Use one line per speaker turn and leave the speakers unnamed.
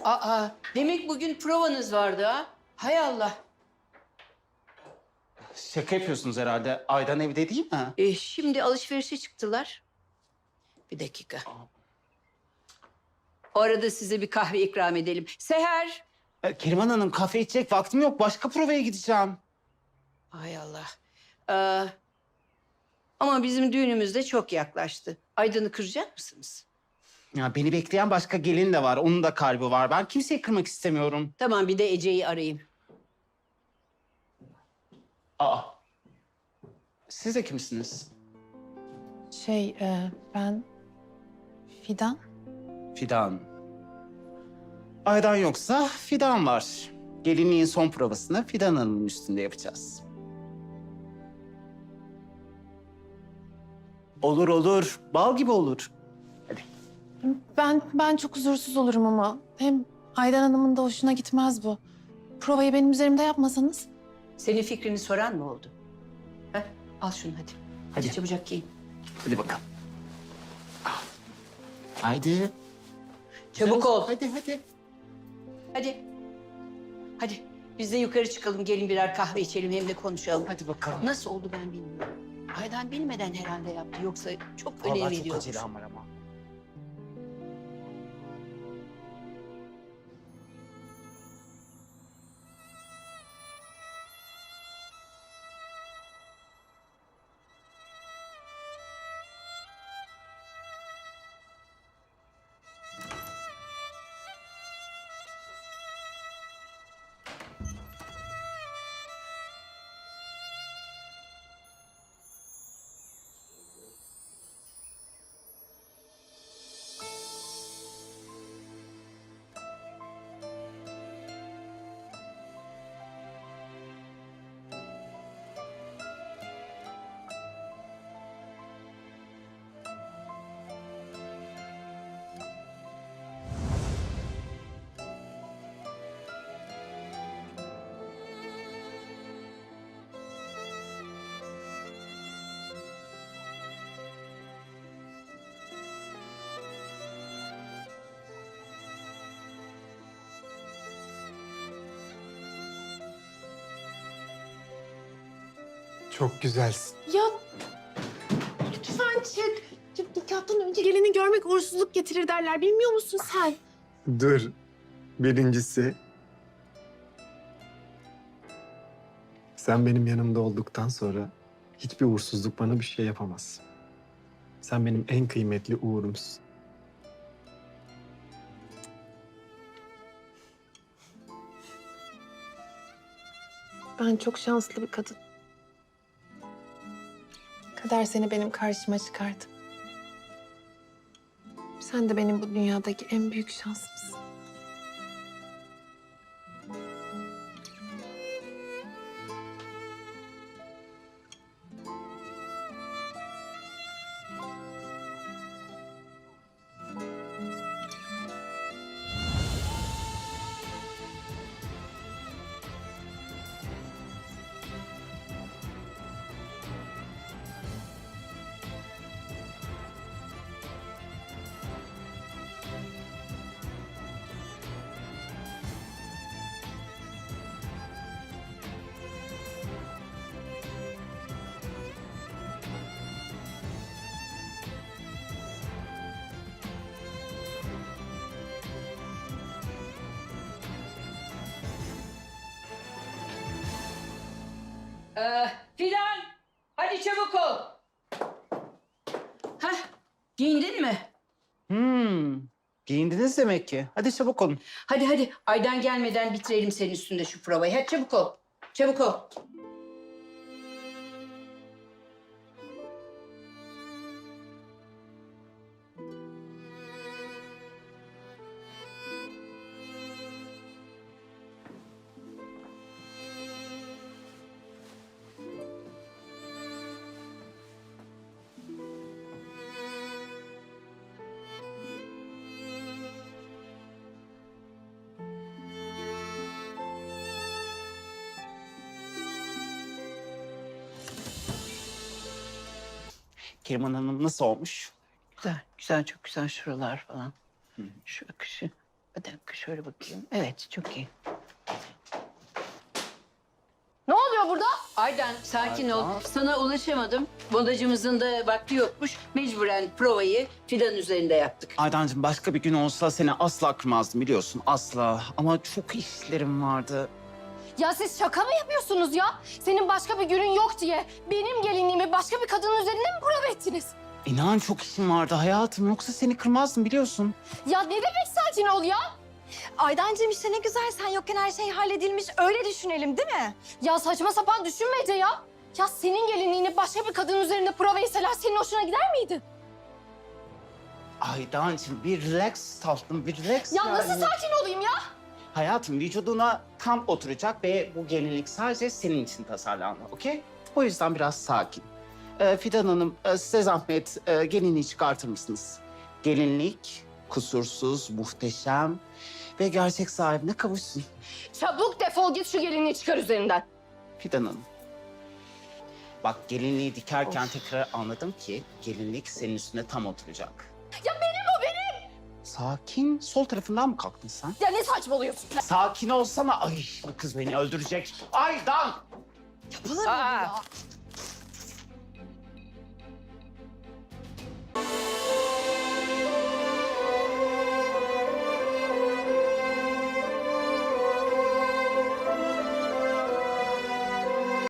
Aa, demek bugün provanız vardı ha? Hay Allah.
Şaka yapıyorsunuz herhalde. Aydan evde değil mi?
Şimdi alışverişe çıktılar. Bir dakika. O arada size bir kahve ikram edelim. Seher.
Keriman Hanım kahve içecek vaktim yok. Başka provaya gideceğim.
Hay Allah. Ee, ama bizim düğünümüz de çok yaklaştı. Aydan'ı kıracak mısınız?
Ya beni bekleyen başka gelin de var. Onun da kalbi var. Ben kimseyi kırmak istemiyorum.
Tamam, bir de Ece'yi arayayım.
Aa. Siz de kimsiniz?
Ben Fidan.
Fidan. Aydan yoksa Fidan var. Gelinliğin son provasını Fidan Hanım'ın üstünde yapacağız. Olur olur. Bal gibi olur. Hadi.
Ben çok huzursuz olurum ama. Hem Aydan Hanım'ın da hoşuna gitmez bu. Provayı benim üzerimde yapmasanız.
Senin fikrini soran mı oldu? Heh, al şunu hadi. Hadi
Hadi.
çabucak giyin.
Hadi bakalım. Haydi.
Çabuk ol.
Hadi hadi.
Hadi. Hadi. Biz de yukarı çıkalım. Gelin birer kahve içelim hem de konuşalım.
Hadi bakalım.
Nasıl oldu ben bilmiyorum. Aydan bilmeden herhalde yaptı. Yoksa çok önem
Vallahi çok
veriyormuş.
acelem var ama.
Çok güzelsin.
Ya lütfen çık. Nikahtan önce gelini görmek uğursuzluk getirir derler. Bilmiyor musun sen?
Dur. Birincisi... Sen benim yanımda olduktan sonra hiçbir uğursuzluk bana bir şey yapamaz. Sen benim en kıymetli uğurumsun.
Ben çok şanslı bir kadın. Kader seni benim karşıma çıkardı. Sen de benim bu dünyadaki en büyük şansımsın.
Fidan! Hadi çabuk ol. Hah, giyindin mi?
Giyindiniz demek ki. Hadi çabuk olun.
Hadi hadi. Aydan gelmeden bitirelim senin üstünde şu provayı. Hadi çabuk ol. Çabuk ol.
Keriman Hanım nasıl olmuş?
Güzel, güzel, çok güzel şuralar falan. Şu akışı. Bir dakika şöyle bakayım. Evet, çok iyi.
Ne oluyor burada?
Aydan sakin ol.
Aydan.
Sana ulaşamadım. Modacımızın da vakti yokmuş. Mecburen provayı Fidan üzerinde yaptık.
Aydancığım başka bir gün olsa seni asla kırmazdım biliyorsun. Asla. Ama çok işlerim vardı.
Ya siz şaka mı yapıyorsunuz ya? Senin başka bir günün yok diye benim gelinliğimi başka bir kadının üzerinde mi prova ettiniz?
İnan çok işim vardı hayatım. Yoksa seni kırmazdım biliyorsun.
Ya ne demek sakin ol ya?
Aydancığım işte ne güzel sen yokken her şey halledilmiş. Öyle düşünelim değil mi?
Ya saçma sapan düşünme Ece ya. Ya senin gelinliğini başka bir kadının üzerinde prova etseler senin hoşuna gider miydi?
Aydancığım bir relax tatlım, bir relax
Ya
yani.
nasıl sakin olayım ya?
Hayatım vücuduna tam oturacak ve bu gelinlik sadece senin için tasarlandı, okey? O yüzden biraz sakin. Fidan Hanım, size zahmet gelinliği çıkartır mısınız? Gelinlik kusursuz, muhteşem ve gerçek sahibine kavuşsun.
Çabuk defol git şu gelinliği çıkar üzerinden.
Fidan Hanım. Bak gelinliği dikerken tekrar anladım ki gelinlik senin üstüne tam oturacak.
Ya benim o benim.
Sakin. Sol tarafından mı kalktın sen?
Ya ne saçmalıyorsun sen?
Sakin olsana. Ay bu kız beni öldürecek. Aydan!
Yapılır mı bu
Aa.
ya?